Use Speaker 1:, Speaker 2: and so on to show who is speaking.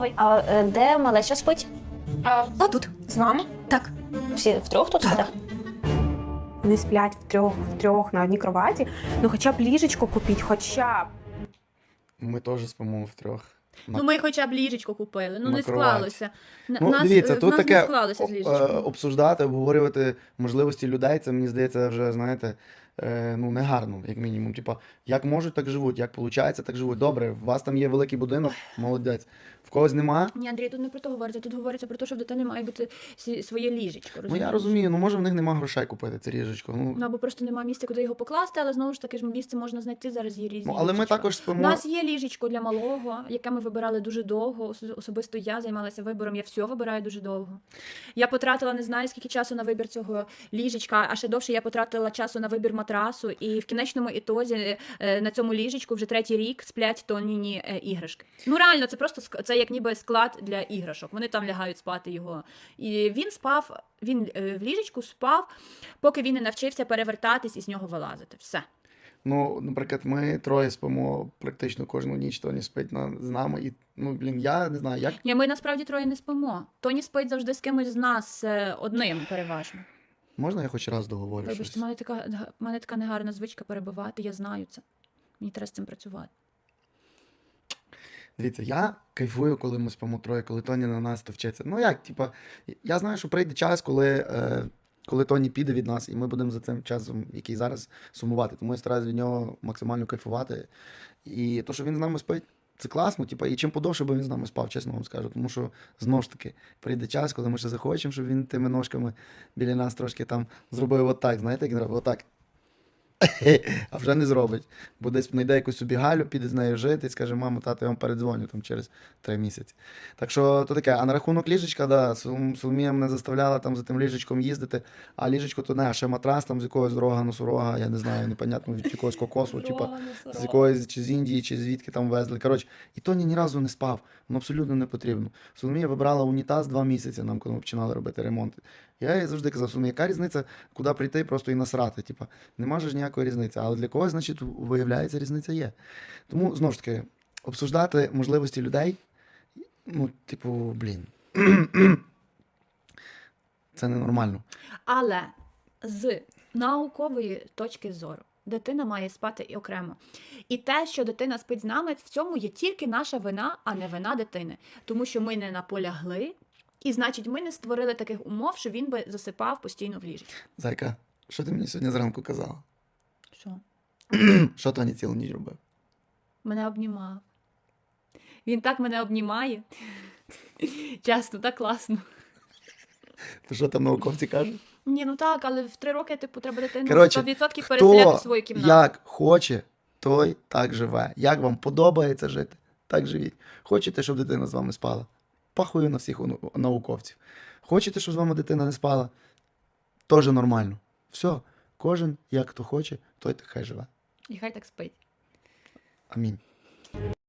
Speaker 1: А де малеча спить?
Speaker 2: А тут, з вами? Так.
Speaker 1: Всі втрьох тут спите?
Speaker 2: Вони сплять втрьох на одній кроваті. Ну хоча б ліжечко купіть, хоча б.
Speaker 3: Ми теж спимо втрьох.
Speaker 4: Ну, ми хоча б ліжечко купили, ну
Speaker 3: на
Speaker 4: не
Speaker 3: кроваті.
Speaker 4: склалося.
Speaker 3: Ну, дивіться, тут
Speaker 4: не
Speaker 3: таке
Speaker 4: склалося з ліжечком.
Speaker 3: обсуждати, обговорювати можливості людей, це, мені здається, вже, знаєте, ну, негарно, як мінімум. Типа, як можуть, так живуть, як виходить, так живуть. Добре, у вас там є великий будинок, молодець. В когось нема.
Speaker 4: Ні, Андрій, тут не про то говориться, тут говориться про те, що в дитини має бути своє ліжечко,
Speaker 3: Ну,
Speaker 4: розумієш?
Speaker 3: я розумію, ну, може, в них нема грошей купити це ліжечко.
Speaker 4: Ну, або просто немає місця, куди його покласти, але знову ж таки ж місце можна знайти, зараз є різні
Speaker 3: Ну, але ми
Speaker 4: ліжечка.
Speaker 3: також
Speaker 4: У
Speaker 3: спимо.
Speaker 4: нас є ліжечко для малого, яке ми вибирали дуже довго. Особисто я займалася вибором, я все вибираю дуже довго. Я потратила не знаю скільки часу на вибір цього ліжечка, а ще довше я потратила часу на вибір матрасу. І в кінечному ітозі на цьому ліжечку вже 3-й рік сплять Тоніні іграшки. Ну реально, це просто це як ніби склад для іграшок. Вони там лягають спати його. І він в ліжечку спав, поки він не навчився перевертатись і з нього вилазити. Все.
Speaker 3: Ну, наприклад, ми троє спимо практично кожну ніч, Тоні спить з нами. І, ну, блін, я не знаю, як.
Speaker 4: Ні, ми насправді троє не спимо. Тоні спить завжди з кимось з нас одним переважно.
Speaker 3: Можна я хоч раз договорю щось?
Speaker 4: Вибачте, в мене така негарна звичка перебивати, я знаю це. Мені треба з цим працювати.
Speaker 3: Дивіться, я кайфую, коли ми спимо троє, коли Тоні на нас то вчиться. Ну як, типа, я знаю, що прийде час, коли Тоні піде від нас, і ми будемо за цим часом, який зараз, сумувати. Тому я стараюся від нього максимально кайфувати. І то, що він з нами спить, це класно, типа, і чим подовше би він з нами спав, чесно вам скажу. Тому що, знову ж таки, прийде час, коли ми ще захочемо, щоб він тими ножками біля нас трошки там зробив отак, знаєте, як він робить? Отак. А вже не зробить. Бо десь знайде якусь собі Галю, піде з нею жити і скаже, мамо, тато, я вам передзвоню там через 3 місяці. Так що то таке. А на рахунок ліжечка, да, Соломія мене заставляла там за тим ліжечком їздити, а ліжечко то не, а ще матрас там з якогось рога, носорога, я не знаю, непонятно, від якогось кокосу, типа, з якогось, чи з Індії, чи звідки там везли. Коротше, і Тоні ні разу не спав, воно абсолютно не потрібно. Соломія вибрала унітаз 2 місяці нам, коли ми починали робити ремонт. Я їй завжди казав, Соломія, яка різниця, куди прийти просто і насрати, типа, нема ж ніякої різниці. Але для когось, значить, виявляється, різниця є. Тому, знову ж таки, обсуждати можливості людей, ну, типу, блін, це ненормально.
Speaker 4: Але з наукової точки зору дитина має спати і окремо. І те, що дитина спить з нами, в цьому є тільки наша вина, а не вина дитини. Тому що ми не наполягли, і, значить, ми не створили таких умов, що він би засипав постійно в ліжечку.
Speaker 3: Зайка, що ти мені сьогодні зранку казала?
Speaker 4: Що?
Speaker 3: Що Тоні цілу ніч робив?
Speaker 4: Мене обнімав. Він так мене обнімає. Чесно, так класно.
Speaker 3: То що там науковці кажуть?
Speaker 4: Ні, ну так, але в 3 роки, типу, треба дитину
Speaker 3: Коротше,
Speaker 4: 100% переселяти в
Speaker 3: хто
Speaker 4: свою кімнату.
Speaker 3: як хоче, той так живе. Як вам подобається жити, так живіть. Хочете, щоб дитина з вами спала? Пахую на всіх науковців. Хочете, щоб з вами дитина не спала? Теж нормально. Все, кожен як хто хоче, той так хай живе.
Speaker 4: І хай так спить.
Speaker 3: Амінь.